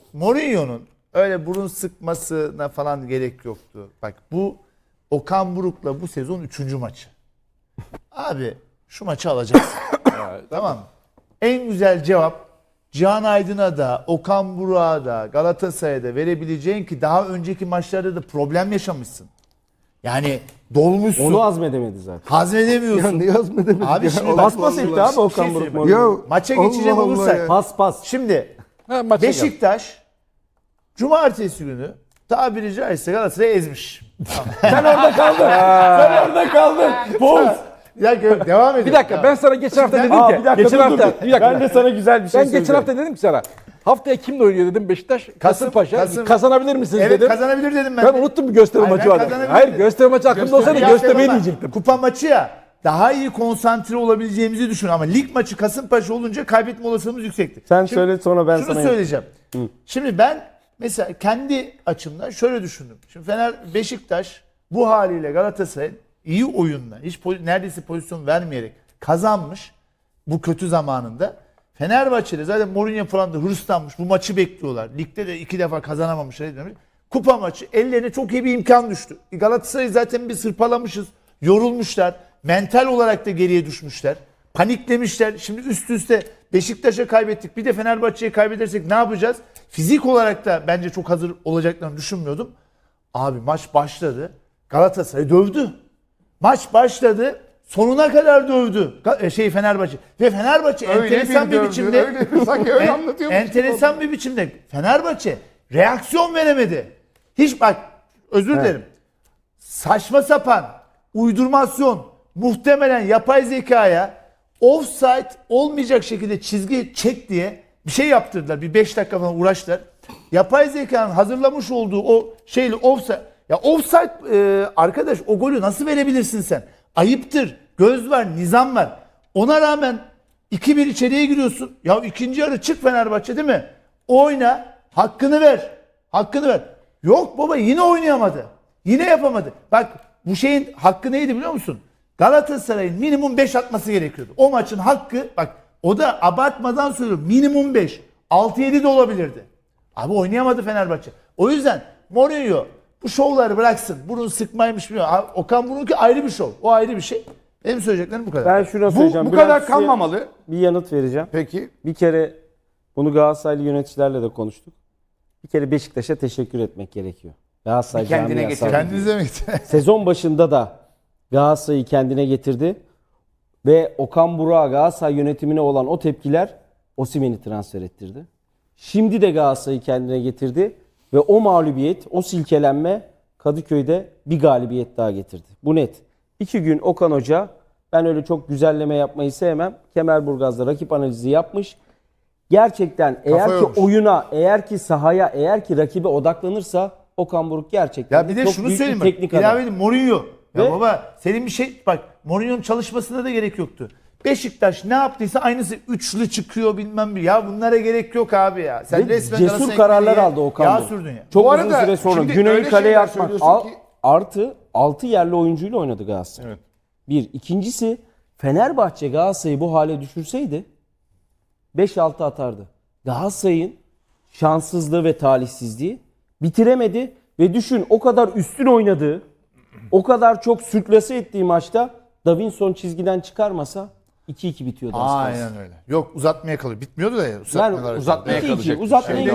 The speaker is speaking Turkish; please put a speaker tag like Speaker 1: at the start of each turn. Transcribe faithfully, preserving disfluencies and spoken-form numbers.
Speaker 1: Mourinho'nun öyle burun sıkmasına falan gerek yoktu. Bak bu Okan Buruk'la bu sezon üçüncü maçı. Abi şu maçı alacaksın. Tamam mı? En güzel cevap Cihan Aydın'a da, Okan Buruk'a da, Galatasaray'a da verebileceğin ki daha önceki maçlarda da problem yaşamışsın. Yani dolmuşsun.
Speaker 2: Onu hazmedemedi zaten.
Speaker 1: Hazmedemiyorsun.
Speaker 3: Ne yazmadınız?
Speaker 1: Abi şimdi
Speaker 2: Pas pas etti abi Okan
Speaker 1: şey
Speaker 2: Buruk.
Speaker 1: söyleyeyim.
Speaker 3: Ya,
Speaker 1: Maça
Speaker 3: Allah
Speaker 1: geçecek
Speaker 3: Allah
Speaker 1: olursak.
Speaker 3: ya.
Speaker 2: Pas pas.
Speaker 1: Şimdi
Speaker 4: Ha, maça gel.
Speaker 1: Beşiktaş Cumartesi günü tabiri caizse Galatasaray'ı ezmiş.
Speaker 4: Sen orada kaldın. Sen orada kaldın. Boz.
Speaker 1: Ya gö- devam edin.
Speaker 4: Bir dakika ben sana geçen hafta dedim
Speaker 2: Aa,
Speaker 4: ki.
Speaker 2: bir dakika,
Speaker 4: geçen
Speaker 2: dur,
Speaker 4: hafta.
Speaker 2: dur.
Speaker 4: Bir dakika.
Speaker 2: Ben de sana güzel bir şey
Speaker 4: Ben geçen
Speaker 2: söyleyeceğim.
Speaker 4: hafta dedim ki sana. Haftaya kimle oynuyor dedim Beşiktaş. Kasımpaşa.
Speaker 1: Kasım-
Speaker 4: Kazanabilir misiniz
Speaker 1: Evet
Speaker 4: dedim.
Speaker 1: kazanabilir dedim ben.
Speaker 4: Ben unuttum bir gösteri
Speaker 1: Hayır,
Speaker 4: maçı
Speaker 1: ben
Speaker 4: vardı.
Speaker 1: kazanabilir
Speaker 4: Hayır
Speaker 1: dedim.
Speaker 4: gösteri maçı aklımda olsaydı
Speaker 1: Gösteri
Speaker 4: göstermeyi
Speaker 1: yaptım ama
Speaker 4: diyecektim.
Speaker 1: Kupa maçı ya daha iyi konsantre olabileceğimizi düşünüyorum ama lig maçı Kasımpaşa olunca kaybetme olasılığımız yüksekti.
Speaker 2: Sen
Speaker 1: Şimdi
Speaker 2: söyle sonra ben
Speaker 1: şunu
Speaker 2: sana...
Speaker 1: söyleyeceğim. Şimdi ben mesela kendi açımdan şöyle düşündüm. Şimdi Fener Beşiktaş bu haliyle Galatasaray'ın iyi oyunla hiç po- neredeyse pozisyon vermeyerek kazanmış bu kötü zamanında. Fenerbahçe'de zaten Mourinho falan da hırslanmış. Bu maçı bekliyorlar. Ligde de iki defa kazanamamışlar. Kupa maçı ellerine çok iyi bir imkan düştü. Galatasaray'ı zaten bir sırpalamışız. Yorulmuşlar. Mental olarak da geriye düşmüşler. Paniklemişler. Şimdi üst üste Beşiktaş'a kaybettik. Bir de Fenerbahçe'ye kaybedersek ne yapacağız? Fizik olarak da bence çok hazır olacaklarını düşünmüyordum. Abi maç başladı. Galatasaray dövdü. Maç başladı. Sonuna kadar dövdü. Ga- Şey Fenerbahçe. Ve Fenerbahçe
Speaker 3: Öyle
Speaker 1: enteresan bir,
Speaker 3: dövdü,
Speaker 1: biçimde
Speaker 3: öyle, sanki öyle
Speaker 1: en-
Speaker 3: anlatıyormuş gibi
Speaker 1: enteresan bir biçimde Fenerbahçe reaksiyon veremedi. Hiç bak özür dilerim. Saçma sapan uydurmasyon muhtemelen yapay zekaya offside olmayacak şekilde çizgi çek diye bir şey yaptırdılar. Bir beş dakika falan uğraştılar. Yapay zekanın hazırlamış olduğu o şeyle offside. Ya offside e, arkadaş o golü nasıl verebilirsin sen? Ayıptır. Göz var, nizam var. Ona rağmen iki bir içeriye giriyorsun. Ya ikinci yarı çık Fenerbahçe değil mi? Oyna, hakkını ver. Hakkını ver. Yok baba yine oynayamadı. Yine yapamadı. Bak bu şeyin hakkı neydi biliyor musun? Galatasaray'ın minimum beş atması gerekiyordu. O maçın hakkı bak o da abartmadan söylüyorum minimum beş. altı yedi de olabilirdi. Abi oynayamadı Fenerbahçe. O yüzden Mourinho bu şovları bıraksın. Burun sıkmaymış biliyor. Abi, Okan Buruk'unki ayrı bir şov. O ayrı bir şey. Benim söyleyeceklerim bu kadar.
Speaker 2: Ben şuna
Speaker 3: Bu,
Speaker 2: söyleyeceğim.
Speaker 3: bu
Speaker 2: Biraz
Speaker 3: kadar
Speaker 2: size
Speaker 3: kanmamalı.
Speaker 2: Bir yanıt vereceğim.
Speaker 3: Peki.
Speaker 2: Bir kere bunu Galatasaraylı yöneticilerle de konuştuk. Bir kere Beşiktaş'a teşekkür etmek gerekiyor. Galatasaray
Speaker 3: Bir kendine
Speaker 2: camiası
Speaker 3: getir.
Speaker 2: adına.
Speaker 1: Kendinize mi?
Speaker 2: Sezon başında da Galatasaray'ı kendine getirdi. Ve Okan Buruk'a Galatasaray yönetimine olan o tepkiler Osimhen'i transfer ettirdi. Şimdi de Galatasaray'ı kendine getirdi. Ve o mağlubiyet, o silkelenme Kadıköy'de bir galibiyet daha getirdi. Bu net. İki gün Okan Hoca, ben öyle çok güzelleme yapmayı sevmem. Kemerburgaz'da rakip analizi yapmış. Gerçekten eğer ki
Speaker 1: yormuş.
Speaker 2: oyuna, eğer ki sahaya, eğer ki rakibe odaklanırsa Okan Buruk gerçekten
Speaker 1: Ya bir de
Speaker 2: çok
Speaker 1: şunu
Speaker 2: büyük bir
Speaker 1: söyleyeyim bak.
Speaker 2: teknik adam.
Speaker 1: İlave edeyim Mourinho. Ya
Speaker 2: Ve-
Speaker 1: baba senin bir şey bak Mourinho'nun çalışmasına da gerek yoktu. Beşiktaş ne yaptıysa aynısı üçlü çıkıyor bilmem bir. Ya bunlara gerek yok abi ya. Sen
Speaker 2: Ve
Speaker 1: resmen
Speaker 2: cesur
Speaker 1: Galatasaray
Speaker 2: kararlar
Speaker 1: ekmeğine
Speaker 2: aldı Okan
Speaker 1: yağ
Speaker 2: Buruk.
Speaker 1: sürdün ya.
Speaker 2: Çok
Speaker 3: Bu
Speaker 2: uzun
Speaker 3: arada
Speaker 2: süre sonra
Speaker 3: şimdi
Speaker 2: Güney'i
Speaker 3: öyle
Speaker 2: kaleye
Speaker 3: şeyler
Speaker 2: atmak.
Speaker 3: söylüyorsun
Speaker 2: Al-
Speaker 3: ki-
Speaker 2: artı altı yerli oyuncuyla oynadı Galatasaray.
Speaker 4: Evet.
Speaker 2: Bir. İkincisi Fenerbahçe Galatasaray'ı bu hale düşürseydi beş altı atardı. Galatasaray'ın şanssızlığı ve talihsizliği bitiremedi ve düşün o kadar üstün oynadığı, o kadar çok sürklase ettiği maçta Davinson çizgiden çıkarmasa iki iki bitiyordu az kalsın.
Speaker 1: Aynen öyle. Yok uzatmaya kalıyor. Bitmiyordu da ya.
Speaker 2: Yani
Speaker 1: Uzatmıyorlar.
Speaker 4: uzatmaya
Speaker 2: iki iki
Speaker 4: kalacak.
Speaker 2: uzatmaya